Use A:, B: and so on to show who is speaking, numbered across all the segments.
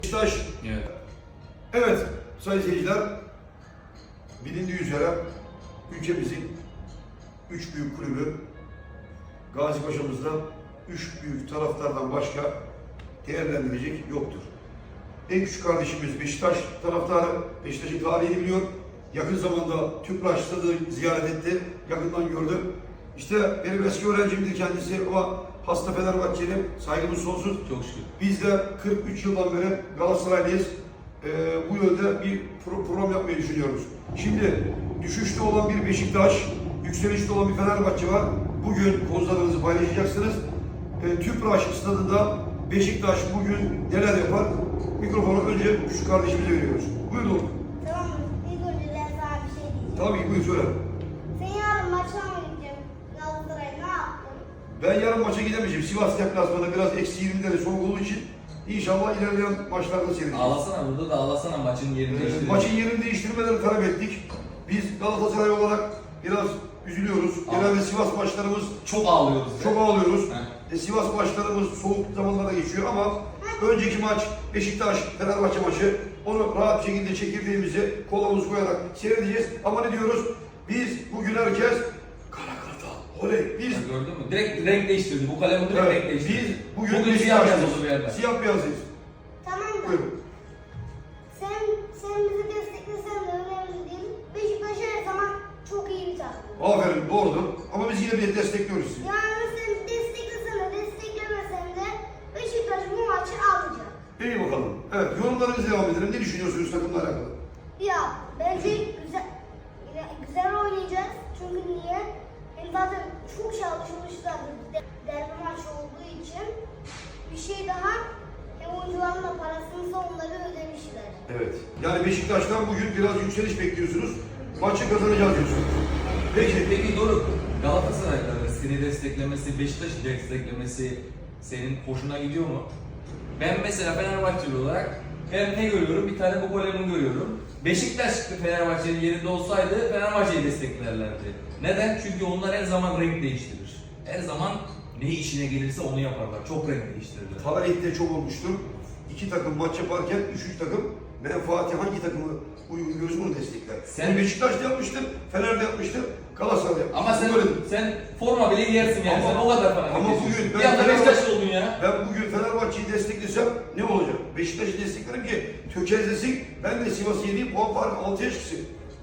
A: Beşiktaş.
B: Evet.
A: Evet sayın seyirciler, bilindiği üzere ülkemizin 3 büyük kulübü Gazipaşa'mızda 3 büyük taraftardan başka değerlendirecek yoktur. En küçük kardeşimiz Beşiktaş taraftarı, Beşiktaş'ın tarihini biliyor. Yakın zamanda Tüpraş Stadı'nı ziyaret etti, yakından gördüm. İşte benim eski öğrencimdi kendisi ama hasta Fenerbahçeli, saygımız sonsuz.
B: Çok şükür.
A: Biz de 43 yıldan beri Galatasaraylıyız. Bu yönde bir program yapmayı düşünüyoruz. Şimdi düşüşte olan bir Beşiktaş, yükselişte olan bir Fenerbahçe var. Bugün kozlarınızı paylaşacaksınız. Tüpraş Stadı'nda Beşiktaş bugün neler yapar? Mikrofonu önce şu kardeşimize veriyoruz. Buyurun.
C: Tamam mı? İlk önce ben sana bir şey diyeceğim.
A: Tabii ki buyur söyle.
C: Sen yarın maçına mı gideceksin? Galatasaray ne yaptın?
A: Ben yarın maça gidemeyeceğim. Sivas deplasmanında biraz eksi 20'leri soğuk olduğu için inşallah ilerleyen maçlarda seyredeceğiz.
B: Ağlasana, burada da ağlasana, maçın yerini değiştirelim.
A: Maçın yerini değiştirmelerini talep ettik. Biz Galatasaray olarak biraz üzülüyoruz. Genelde Sivas maçlarımız
B: Çok ağlıyoruz.
A: çok ağlıyoruz.
B: He.
A: Sivas maçlarımız soğuk zamanlarda geçiyor ama önceki maç Beşiktaş Fenerbahçe maçı. Onu rahat bir şekilde çekirdeğimizi kolumuzu koyarak seyredeceğiz. Ama ne diyoruz? Biz bugün herkes kara kartal. Oley. Biz
B: Gördün mü? Direkt renk değiştirdi. Bu kalemi direkt renk değiştirdi.
A: biz bugün
B: Bugün siyah beyaz
A: Beşiktaş'ız.
B: oldu bir yerde.
A: Siyah beyazıyız.
C: Tamam da
A: Buyurun.
C: sen bizi desteklesen de önemli değil. Beşiktaş her zaman çok iyi bir takım.
A: Aferin doğrudur. Ama biz yine bir destekliyoruz sizi.
C: Yani sen desteklesen de desteklemesen de Beşiktaş bu maçı alacak.
A: İyi bakalım. Evet, yorumlarınızı devam edelim. Ne düşünüyorsunuz takımla alakalı?
C: Ya bence güzel oynayacağız. Çünkü niye? Hem zaten çok çalışmışlar derbi maçı olduğu için. Bir şey daha, hem oyuncuların da parasını onları ödemişler.
A: Evet. Yani Beşiktaş'tan bugün biraz yükseliş bekliyorsunuz. Maçı kazanacağız diyorsunuz.
B: Peki Doruk, Galatasaray'ın seni desteklemesi, Beşiktaş'ı desteklemesi senin hoşuna gidiyor mu? Ben mesela Fenerbahçeli olarak ben ne görüyorum? Bir tane bu golemi görüyorum. Beşiktaş Fenerbahçe'nin yerinde olsaydı Fenerbahçe'yi desteklerlerdi. Neden? Çünkü onlar her zaman renk değiştirir. Her zaman ne işine gelirse onu yaparlar. Çok renk değiştirirler.
A: Tarihte çok olmuştur. İki takım maç yaparken üçüncü takım menfaati hangi takımı uygun görürse onu destekler.
B: Sen-
A: Beşiktaş da yapmıştır, Fener de yapmıştır, Galatasaray da yapmıştır.
B: Ama
A: Böyle-
B: sen forma bile giyersin yani.
A: Ama-
B: Sen o kadar falan.
A: ama bugün
B: bir anda Beşiktaşlı oldun ya.
A: Ben bugün Fenerbahçe'yi desteklesem ne olacak? Beşiktaş'ı desteklerim ki tökezlesin. Ben de Sivas'ı yeneyim, puan farkı 6'ya çıksın.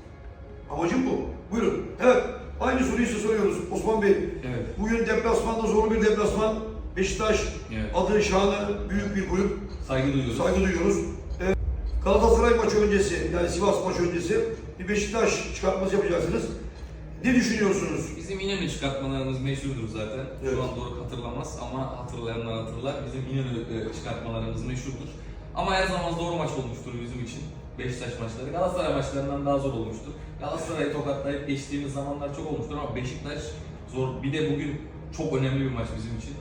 A: Amacım bu. Buyurun. Evet, aynı soruyu size soruyoruz Osman Bey.
B: Evet.
A: Bugün deplasmanda zorlu bir deplasman. Beşiktaş
B: Evet.
A: adı şanı büyük bir kulüp.
B: Saygı duyuyoruz.
A: Saygı duyuyoruz. Galatasaray maçı öncesi, yani Sivas maçı öncesi bir Beşiktaş çıkartması yapacaksınız. Ne düşünüyorsunuz?
B: Bizim İnönü çıkartmalarımız meşhurdur zaten.
A: Evet.
B: Şu an doğru hatırlamaz ama hatırlayanlar hatırlar. Bizim İnönü çıkartmalarımız meşhurdur. Ama her zaman zor maç olmuştur bizim için. Beşiktaş maçları. Galatasaray maçlarından daha zor olmuştur. Galatasaray'ı tokatlayıp geçtiğimiz zamanlar çok olmuştur ama Beşiktaş zor. Bir de bugün çok önemli bir maç bizim için.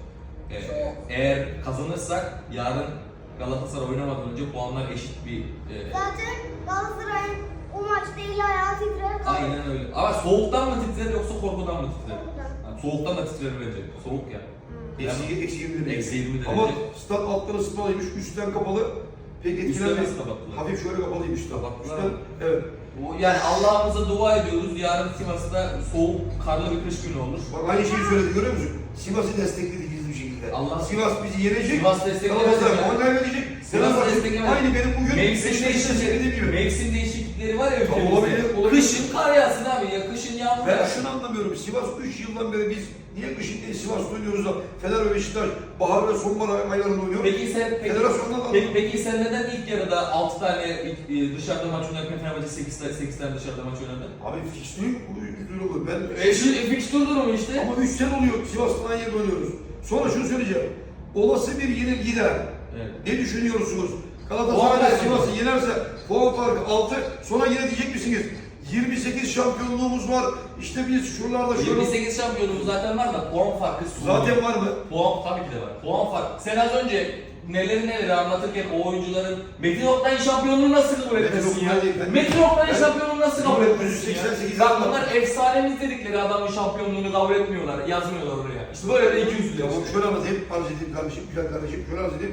B: Eğer kazanırsak yarın Galatasaray oynamadan önce puanlar eşit bir...
C: Zaten Galatasaray'ın o maçta eli ayağı titrer kalır.
B: Aynen öyle. Ama soğuktan mı titrer yoksa korkudan mı titrer?
C: Korkudan.
B: Yani soğuktan da titrer bence. Soğuk ya.
A: Eksi 20 derece.
B: Eksi 20 derece.
A: Ama stat altları ısıtmalıymış, üstten kapalı. Pek
B: Üstten
A: etkilenmez.
B: nasıl kapattılar?
A: Hafif şöyle kapalıymış da.
B: Kapattılar
A: Üstten,
B: mı?
A: evet.
B: Yani Allah'ımıza dua ediyoruz. Yarın Sivas'ta soğuk, karlı bir kış günü olur.
A: Bak aynı şeyi söyledi görüyor musun? Sivas'ı destekledi gizli bir şekilde.
B: Allah-
A: Sivas bizi yenecek.
B: Sivas desteklemez
A: Galatasaray
B: ya.
A: puan kaybedecek.
B: Sivas
A: Fenerbahçe
B: desteklemez.
A: aynı benim bugün
B: Mevsim
A: Beşiktaş'ın söylediğim gibi.
B: değişiklikleri var ya ülkemizde.
A: olabilir.
B: Kışın kar yağsın abi ya. Kışın yağmur
A: Ben
B: yağsın.
A: şunu anlamıyorum. Sivas 3 yıldan beri biz niye kışın değil Sivas'ta oynuyoruz da Fener ve Beşiktaş bahar ve sonbahar aylarında oynuyor. Federasyondan da
B: Peki sen neden ilk yarıda 6 tane dışarıda maç oynarken Fenerbahçe 8 tane dışarıda maç oynadı?
A: Abi fikstürü bu. Ben
B: Fikstür durumu işte.
A: ama 3 sene oluyor Sivas'tan aynı yerde oynuyoruz. Sonra şunu söyleyeceğim. Olası bir yenilgide
B: Evet.
A: ne düşünüyorsunuz?
B: Puan
A: Galatasaray
B: kaybı.
A: Sivas'ı yenerse puan farkı 6. Sonra yine diyecek misiniz? 28 şampiyonluğumuz var. İşte biz şuralarda şöyle.
B: 28 şampiyonumuz zaten var da puan farkı
A: Zaten var mı?
B: Puan tabii ki de var. Puan farkı. Sen az önce neleri anlatırken o oyuncuların Metin Oktay'ın şampiyonluğunu nasıl kabul etmesin ya?
A: Oktay değil, ben-
B: Metin Oktay'ın
A: ben-
B: şampiyonluğunu nasıl kabul etmesin ya?
A: 1988
B: Bak
A: yılında-
B: bunlar efsanemiz dedikleri adamın şampiyonluğunu kabul etmiyorlar, yazmıyorlar oraya. İşte böyle de iki yüzlü.
A: Tamam şöyle anlatayım. Arz edeyim kardeşim, güzel kardeşim. Şöyle arz edeyim.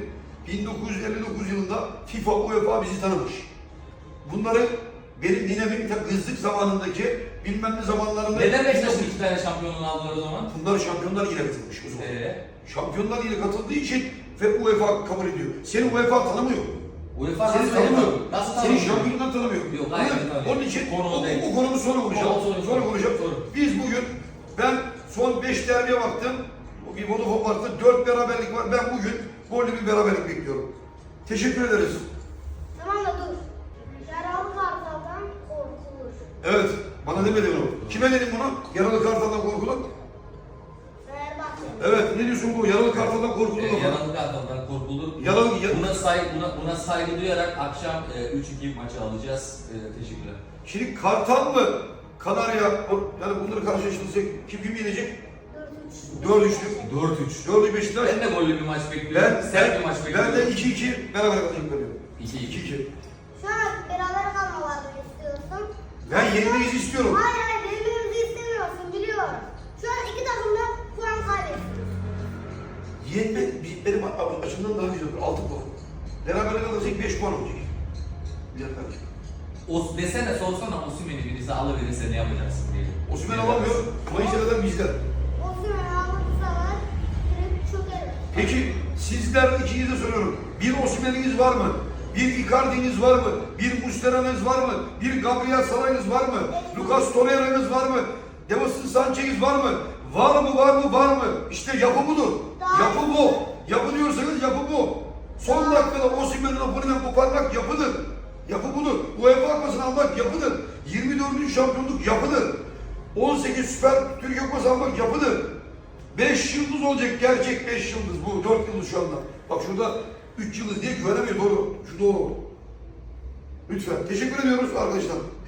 A: 1959 yılında FIFA, UEFA bizi tanımış. Bunları benim ninemin kızlık zamanındaki bilmem ne zamanlarında...
B: Neden Beşiktaş'ın 2 tane şampiyonluğunu aldılar o zaman?
A: Bunlar Şampiyonlar Ligi'ne katılmış o zaman.
B: Ee?
A: Şampiyonlar Ligi'ne katıldığı için ve UEFA kabul ediyor. Seni UEFA tanımıyor.
B: UEFA
A: Seni
B: nasıl
A: tanımıyor.
B: Nasıl
A: Seni
B: tanımıyor?
A: şampiyonlar tanımıyor.
B: Yok, hayır, tanımıyor.
A: Onun için
B: Konu o
A: o
B: değil.
A: konumuz sonra konuşalım. Sonra konuşalım. Biz bugün, ben son 5 derbiye baktım. O bir Vodafone Park'ta 4 beraberlik var. Ben bugün gollü bir beraberlik bekliyorum. Teşekkür ederiz.
C: Tamam da dur. Yaralı kartaldan korkulur.
A: Evet, bana demedin onu. Kime dedim bunu? Yaralı kartaldan korkulur.
C: Fenerbahçe.
A: Evet, ne diyorsun bu? Yaralı kartaldan korkulur mu?
B: Yaralı kartaldan korkulur.
A: Yaralı-
B: Buna saygı duyarak akşam 3-2 maçı alacağız. Teşekkürler.
A: Şimdi Kartal mı? Kanarya, yani bunları karşılaştırırsak kim yenecek?
C: 4-3.
A: 4-3'lük.
B: 4-3.
A: 4'lü Beşiktaş.
B: Ben de gollü bir maç bekliyorum. Sert bir maç bekliyorum.
A: Ben de 2-2 beraber kalacaklar diyorum.
B: 2-2.
C: Şu an beraber kalmalarını istiyorsun.
A: Ben yenilmeyizi istiyorum.
C: Hayır hayır birbirimizi istemiyorsun biliyorum. Şu an iki takım da puan kaybetti.
A: Yenme benim açımdan daha güzel olur. 6 puan. Beraber kalırsak 5 puan olacak. Güzel kardeşim.
B: Desene sorsana Osimhen'i birisi alıverirse ne yapacaksın diye.
A: Osimhen alamıyor. Mayıs ayında bizden.
C: Osimhen alırsalar direkt çöker.
A: Peki sizler ikinize de soruyorum. Bir Osimhen'iniz var mı? Bir Icardi'niz var mı? Bir Muslera'nız var mı? Bir Gabriel Saray'ınız var mı? Lucas Torreira'nız var mı? Davinson Sanchez'iniz var mı? Var mı, var mı, var mı? İşte yapı budur. Yapı bu. Yapı diyorsanız yapı bu. Son dakikada Osimhen'in Napoli'den koparmak yapıdır. Yapı budur. UEFA Kupası'nı almak yapıdır. 24. şampiyonluk yapıdır. 18 Süper Türkiye Kupası almak yapıdır. 5 yıldız olacak, gerçek 5 yıldız bu. 4 yıldız şu anda. Bak şurada 3 yıldız diye güvenemiyor, doğru. Şu doğru. Lütfen. Teşekkür ediyoruz arkadaşlar.